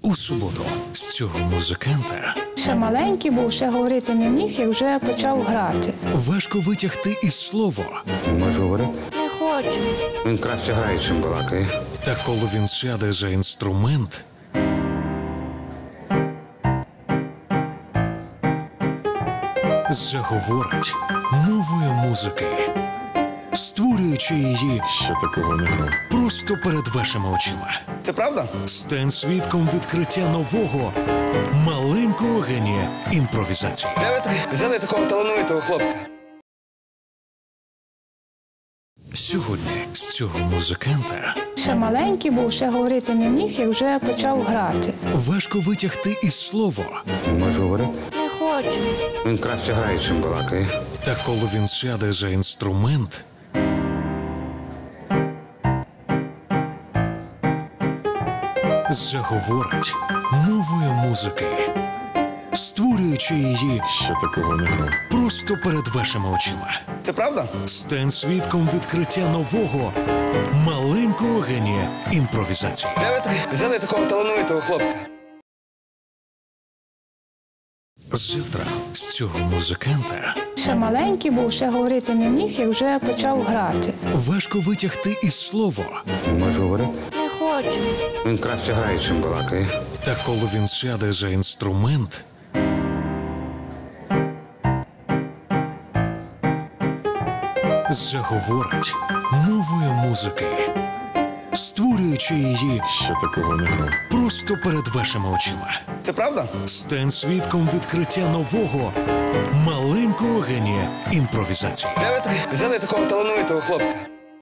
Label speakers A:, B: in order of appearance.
A: У суботу з цього музиканта
B: Ще маленький був, ще говорити не міг, як вже почав грати.
A: важко витягти із слово.
C: Можу говорити?
D: Не хочу.
C: Він краще грає, чим балакає.
A: Та коли він сяде за інструмент, заговорить мовою музики, створюючи її
C: Ще такого не грав.
A: просто перед вашими очима.
C: Це правда?
A: Стань свідком відкриття нового маленького генія імпровізації.
C: Де ви взяли такого талановитого хлопця?
A: Сьогодні з цього музиканта
B: Ще маленький був, ще говорити не міг, як вже почав грати.
A: важко витягти із слово.
C: Можу говорити?
D: Не хочу.
C: Він краще грає, чим балакає.
A: Та коли він сяде за інструмент, заговорить мовою музики, створюючи її
C: Ще такого не грав.
A: просто перед вашими очима.
C: Це правда?
A: Стань свідком відкриття нового маленького генія імпровізації.
C: Де ви взяли такого талановитого хлопця?
A: Завтра з цього музиканта
B: Ще маленький був, ще говорити не міг, як вже почав грати.
A: важко витягти із слово.
C: Можу говорити?
D: Не хочу.
C: Він краще грає, чим балакає.
A: Та коли він сяде за інструмент, заговорить мовою музики, створюючи її
C: Ще такого не грав.
A: просто перед вашими очима.
C: Це правда?
A: Стань свідком відкриття нового маленького генія імпровізації.
C: Де ви взяли такого талановитого хлопця?